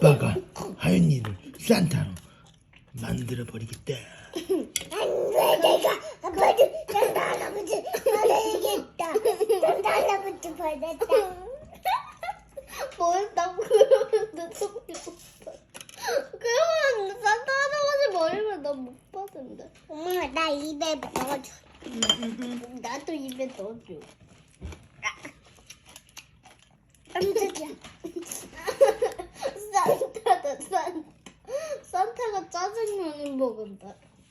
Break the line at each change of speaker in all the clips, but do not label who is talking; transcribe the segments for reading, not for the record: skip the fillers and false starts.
아빠가 하윤이를 산타로 만들어버리겠다.
안돼 내가 아빠도 산타 할아버지 받아야겠다. 산타 할아버지 받았다.
뭐였다고 그러는데 속이 못 받아. 그러면 산타 할아버지 머리를 난못 받은데.
엄마 나 입에 넣어줘.
나도 입에 넣어줘.
깜짝이야.
산타가 짜장면을 먹은다.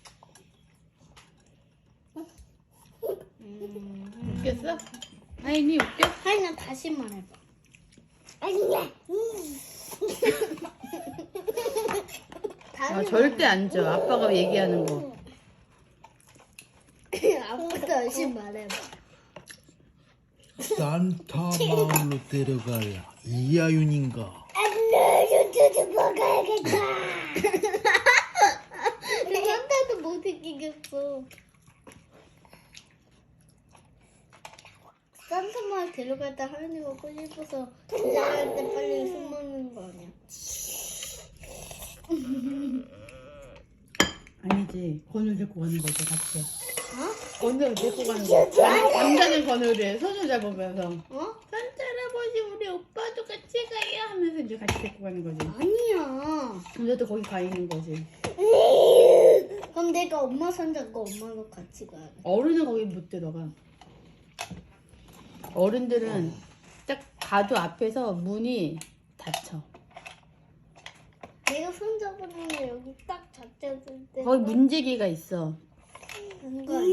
웃겼어? 하인이 웃겨?
하이나 다시 말해봐.
아니야.
아, 절대 안 줘. 아빠가 얘기하는 거.
아빠 다시 말해봐.
산타 마을로 데려갈 이하윤인가?
안돼 저도 먹어야겠다.
산타도 못 이기겠어. 산타 마을 데려갈 때 하윤이 먹고 싶어서 기다릴 때 빨리 숨 먹는 거 아니야?
아니지. 건우를 데리고 가는 거지, 같이.
어?
건우를 데리고 가는 거. 남자는 건우를 손을 잡으면서.
어?
산타 할아버지, 우리 오빠도 같이 가요 하면서 이제 같이 데리고 가는 거지.
아니야.
근데도 거기 가 있는 거지.
그럼 내가 엄마 산다고 엄마도 같이 가야 돼.
어른은 거기 못 들어가. 어른들은 딱 가도 앞에서 문이 닫혀.
내가 손잡았는데 여기 딱 잡혔을 때
거기 문제기가 있어.
그런 거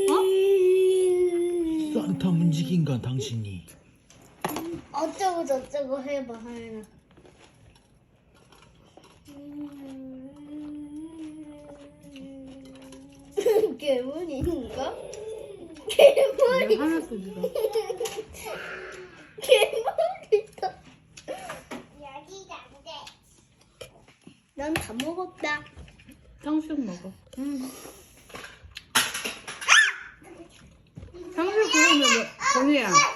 아니야?
산타 문지기인가 당신이?
어쩌고 저쩌고 해봐 하연아. 괴물인가? 괴물.
이게 하나 소리가.
괴물이다.
여기가 안 돼.
난 다 먹었다.
탕수육 먹어. 탕수육 그러면 건우야.